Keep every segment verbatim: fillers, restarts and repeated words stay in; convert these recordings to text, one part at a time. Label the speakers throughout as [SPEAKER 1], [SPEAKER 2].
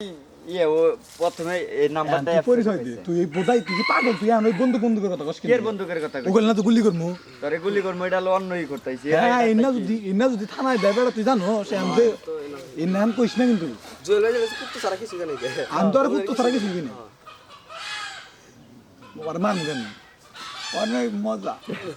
[SPEAKER 1] ইয়ে ও প্রথমে এই নাম্বারটা
[SPEAKER 2] তুই পরিচয় দে তুই এই বোধাই তুই কি পাগল তুই আমি বন্ধু বন্ধুকের কথা কস
[SPEAKER 1] কি এর বন্দুকের কথা কই
[SPEAKER 2] ওগুলো না তো গুলি করমু
[SPEAKER 1] তোরে গুলি করমু এটা হলো অন্যই করতেছি
[SPEAKER 2] হ্যাঁ ইন্না যদি ইন্না যদি থানায় দেয় বেটা তুই জানো সে আমি যে ইন্না আমি কইস না কিন্তু
[SPEAKER 3] জুয়েল ভাই বলছে কুত্তো সারা কিছু জানি
[SPEAKER 2] আমি তো আর কুত্তো ছাড়া কিছু কিনি ওর মান দেন অনেক মজা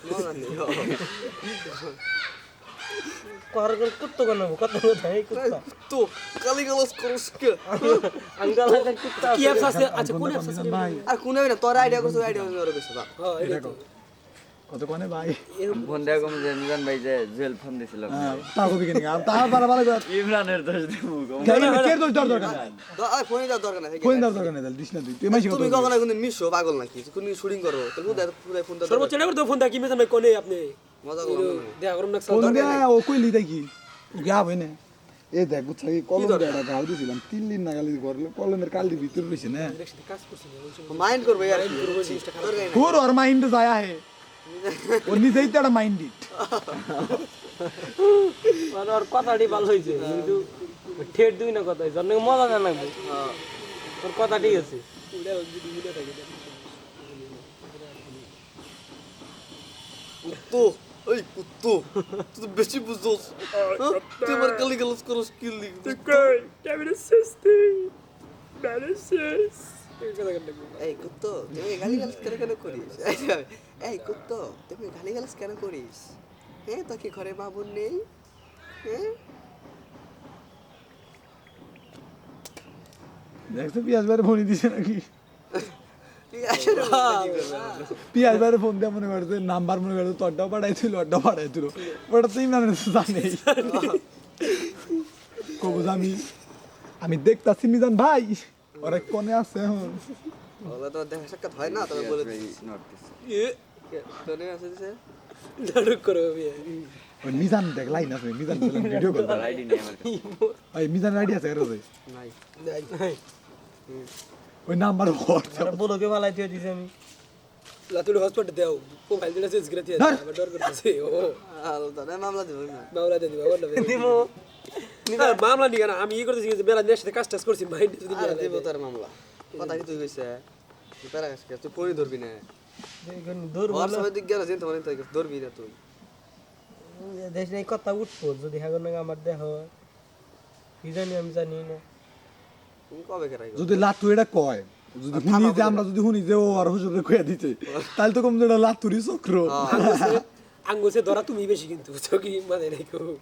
[SPEAKER 4] করগল কুত্তো কেন কত কথা এই কুত্তা
[SPEAKER 3] তো কালি গালাস করস কে
[SPEAKER 4] আঙ্গাল হাতে কুত্তা কি অ্যাপস আছে আচ্ছা কোন অ্যাপস আছে
[SPEAKER 2] ভাই
[SPEAKER 3] আর কোন না তোর আইডিয়া করছ আইডিয়া আমি আর বেশি না
[SPEAKER 4] হ্যাঁ এটা তো
[SPEAKER 2] কত কোনে ভাই
[SPEAKER 1] ফোন দেয়া কম যে মিজান ভাই যে জুয়েল ফোন দিছিল
[SPEAKER 2] হ্যাঁ তা কবি কিনি আর তা বারে বারে
[SPEAKER 1] ইমরানের দোষ দেবো
[SPEAKER 2] কেন কে দোষ দর দরকার নাই
[SPEAKER 3] আরে ফোনে দাও দরকার নাই
[SPEAKER 2] কোন দর দরকার নাই তাহলে দিস না তুই তুই মাইছি কত
[SPEAKER 3] তুমি কখনো কোন মিশো পাগল নাকি কোন শুটিং করো তাহলে হুদা পুরো ফোন দাও
[SPEAKER 4] সর্বোচ্চ নেবার তো ফোন দা কি মেজান ভাই কোনে আপনি
[SPEAKER 3] মজা করো
[SPEAKER 4] দেখা করুন না
[SPEAKER 2] কোন দিয়া ও কইলি তাই কি ও গা হইনে এ দেখ বুঝছ কি কলম দেড়া গাও দিছিলাম তিন দিন না গালি করলে কলমের কালি ভিতর রইছে না
[SPEAKER 4] একসাথে কাজ করছি
[SPEAKER 3] মাইন্ড করবে यार
[SPEAKER 2] তোর ওর মাইন্ড যায় আহে ও নিজেই তো একটা মাইন্ডেড
[SPEAKER 4] মানে ওর কথাটি ভালো হইছে কিন্তু ঠেট দুই না কথা হইছে অনেক মজা না লাগবে ওর কথা ঠিক আছে
[SPEAKER 3] কুত্তো ওই কুত্তো তুই তো বেশি বুঝছস তুই আমার কালি গালাস করস কি লিখ এই কুত্তো তুমি গালি গালাস কেন কেন করিস এই কুত্তো তুমি গালি গালাস কেন করিস হ্যাঁ তো কি ঘরে মা বোন নেই হ্যাঁ
[SPEAKER 2] দেখছো পিয়াজ বাইরে ফোন দিছে নাকি
[SPEAKER 3] তুই আসলে
[SPEAKER 2] পিয়াজ বাইরে ফোন দিয়ে মনে করছে নাম্বার মনে করছে তোরটাও পাঠাইছিল ওরটাও পাঠাইছিল ওটা তুই মানে জানি কবুজ আমি আমি দেখতাছি মিজান ভাই ওরা কোনে আছে এখন
[SPEAKER 3] ওলা তো দেখা সাক্ষাৎ হয় না তবে বলে দিস এ তোরে আছে দিছে
[SPEAKER 4] নাটক করো আমি
[SPEAKER 2] ওই মিজান দেখ লাইন আছে মিজান ভিডিও কল
[SPEAKER 1] আইডি নেই আমার
[SPEAKER 2] ওই মিজান আইডি আছে এর ওই
[SPEAKER 3] নাই
[SPEAKER 2] ওই নাম্বার হোয়াটসঅ্যাপ
[SPEAKER 4] আর বলো কে ভালাই দিয়ে দিছি আমি লাতুল হসপিটাল দাও প্রোফাইল দিলে চেঞ্জ করে দিয়ে আবার ডর করতেছে ও
[SPEAKER 3] আলাদা না মামলা দেব না
[SPEAKER 4] মামলা দিয়ে দিবা বলবে দিমু নিবা মামলা নিগা না আমি ই করতেছি যে বেলা নেশে কাজ টাজ করছি মাইন্ড যদি
[SPEAKER 3] আর দেব তার মামলা কথা কি তুই কইছে তুই প্যারা কাজ তুই পড়ি ধরবি না
[SPEAKER 4] দেখুন দূর
[SPEAKER 3] ওর সময় দিক গেল যেতে মানে তাই ধরবি না তুই
[SPEAKER 4] দেশ এই কথা উঠবো যদি হাগর না আমার দেহ কি জানি আমি জানি না
[SPEAKER 3] তুমি কবে কেরাই
[SPEAKER 2] যদি লাতু এটা কয় যদি শুনি যে আমরা যদি শুনি যে ও আর হুজুরে কইয়া দিতে তাহলে তো কম যেটা লাতুরি চক্র
[SPEAKER 4] আঙ্গুসে ধরা তুমি বেশি কিন্তু চকি মানে রেখো